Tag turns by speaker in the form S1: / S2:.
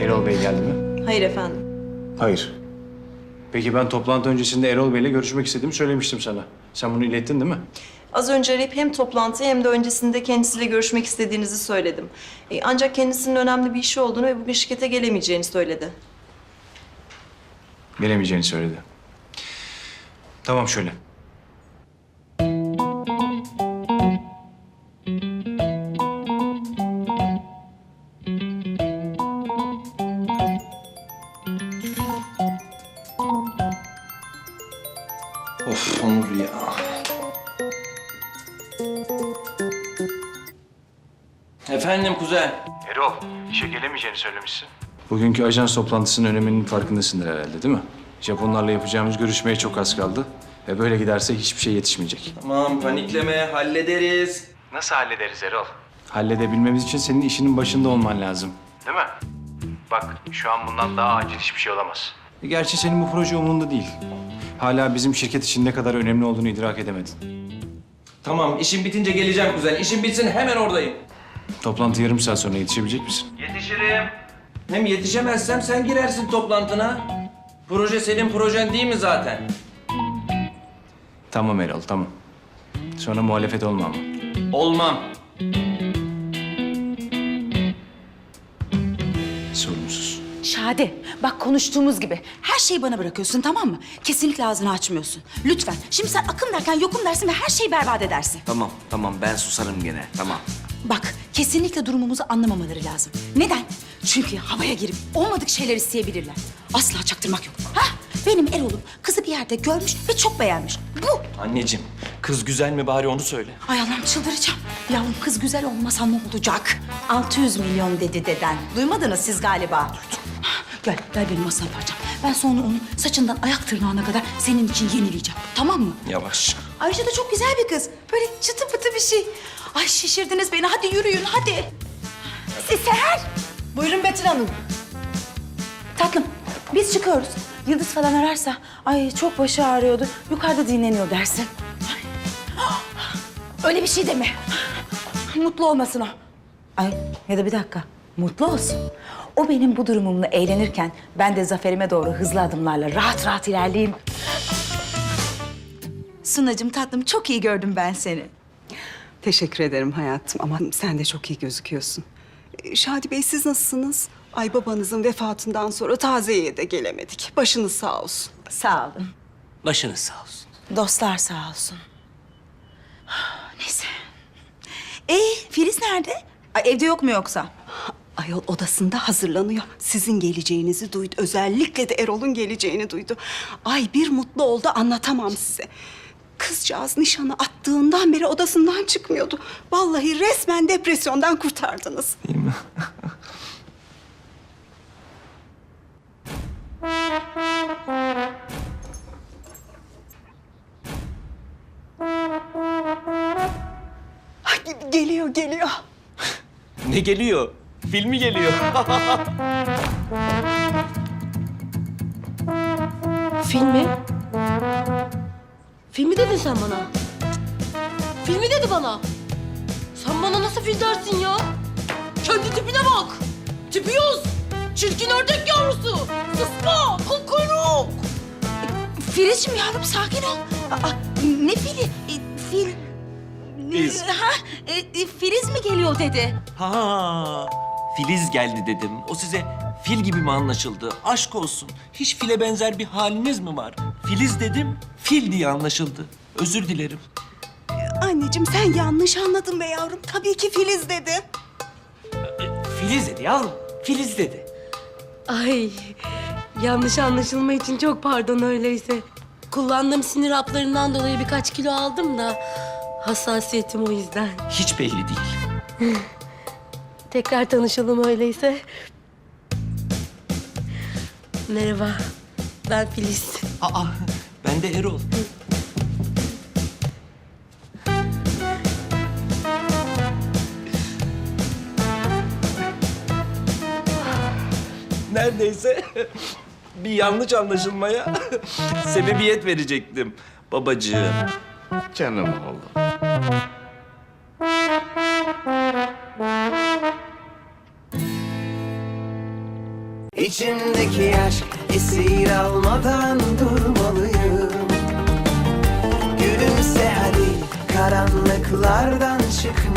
S1: Erol Bey geldi mi?
S2: Hayır efendim.
S1: Hayır. Peki ben toplantı öncesinde Erol Bey'le görüşmek istediğimi söylemiştim sana. Sen bunu ilettin değil mi?
S2: Az önce arayıp hem toplantıyı hem de öncesinde kendisiyle görüşmek istediğinizi söyledim. Ancak kendisinin önemli bir işi olduğunu ve bugün şirkete gelemeyeceğini söyledi.
S1: Gelemeyeceğini söyledi. Tamam şöyle.
S3: Of Onur ya. Efendim kuzen.
S1: Erol, işe gelemeyeceğini söylemişsin. Bugünkü ajans toplantısının öneminin farkındasındır herhalde değil mi? Japonlarla yapacağımız görüşmeye çok az kaldı. Ve böyle giderse hiçbir şey yetişmeyecek.
S3: Tamam panikleme hallederiz.
S1: Nasıl hallederiz Erol? Halledebilmemiz için senin işinin başında olman lazım. Değil mi? Bak şu an bundan daha acil hiçbir şey olamaz. Gerçi senin bu proje umurunda değil. Hala bizim şirket için ne kadar önemli olduğunu idrak edemedin.
S3: Tamam işim bitince geleceğim kuzen. İşim bitsin hemen oradayım.
S1: Toplantı yarım saat sonra yetişebilecek misin?
S3: Yetişirim. Hem yetişemezsem sen girersin toplantına. Proje senin projen değil mi zaten?
S1: Tamam Erol, tamam. Sonra muhalefet olma ama.
S3: Olmam.
S1: Sorumsuz.
S4: Şadi, bak konuştuğumuz gibi her şeyi bana bırakıyorsun, tamam mı? Kesinlikle ağzını açmıyorsun. Lütfen. Şimdi sen akım derken yokum dersin ve her şeyi berbat edersin.
S5: Tamam ben susarım gene tamam.
S4: Bak, kesinlikle durumumuzu anlamamaları lazım. Neden? Çünkü havaya girip olmadık şeyler isteyebilirler. Asla çaktırmak yok. Ha? Benim Erol'um kızı bir yerde görmüş ve çok beğenmiş. Bu.
S3: Anneciğim kız güzel mi bari onu söyle.
S4: Ay Allah'ım çıldıracağım. Yavrum kız güzel olmasa ne olacak? 600 milyon dedi deden. Duymadınız siz galiba. Gel benim masam parçam. Ben sonra onun saçından ayak tırnağına kadar senin için yenileyeceğim. Tamam mı?
S3: Yavaş.
S4: Ayrıca da çok güzel bir kız. Böyle çıtı pıtı bir şey. Ay şişirdiniz beni. Hadi yürüyün hadi. Seher.
S2: Buyurun Betül Hanım.
S4: Tatlım biz çıkıyoruz. Yıldız falan ararsa ay çok başı ağrıyordu. Yukarıda dinleniyor dersin. Ay. Öyle bir şey deme. Mutlu olmasın o. Ay ya da bir dakika. Mutlu olsun. O benim bu durumumla eğlenirken ben de zaferime doğru hızlı adımlarla rahat rahat ilerleyeyim. Sunacığım tatlım çok iyi gördüm ben seni.
S6: Teşekkür ederim hayatım ama sen de çok iyi gözüküyorsun. Şadi Bey siz nasılsınız? Ay babanızın vefatından sonra taziyeye de gelemedik. Başınız sağ olsun.
S4: Sağ olun.
S5: Başınız sağ olsun.
S4: Dostlar sağ olsun. Neyse. Filiz nerede? Ay, evde yok mu yoksa?
S6: Ayol odasında hazırlanıyor. Sizin geleceğinizi duydu. Özellikle de Erol'un geleceğini duydu. Ay bir mutlu oldu anlatamam size. Kızcağız nişanı attığından beri odasından çıkmıyordu. Vallahi resmen depresyondan kurtardınız.
S3: Değil mi?
S6: Ay, geliyor.
S3: Ne geliyor? Filmi geliyor.
S7: Filmi? Filmi dedin sen bana. Filmi dedi bana. Sen bana nasıl fil dersin ya? Kendi tipine bak. Tipi yoz. Çirkin ördek yavrusu. Sıska. Kukuruk.
S4: Filizciğim yavrum sakin ol. Ne fili? Fil...
S3: Filiz.
S4: Filiz mi geliyor dedi?
S5: Ha, Filiz geldi dedim. O size fil gibi mi anlaşıldı? Aşk olsun. Hiç file benzer bir haliniz mi var? Filiz dedim, fil diye anlaşıldı. Özür dilerim.
S6: Anneciğim sen yanlış anladın be yavrum. Tabii ki Filiz dedi.
S5: Filiz dedi yavrum, Filiz dedi.
S7: Ay yanlış anlaşılma için çok pardon öyleyse. Kullandığım sinir haplarından dolayı birkaç kilo aldım da hassasiyetim o yüzden.
S5: Hiç belli değil.
S7: Tekrar tanışalım öyleyse. Merhaba, ben Filiz.
S5: Aa, ben de Erol. Neredeyse bir yanlış anlaşılmaya sebebiyet verecektim babacığım.
S8: Canım oğlum.
S9: İçimdeki aşk esir almadan durmalıyım. Gülümse hadi, karanlıklardan çıkmalıyım.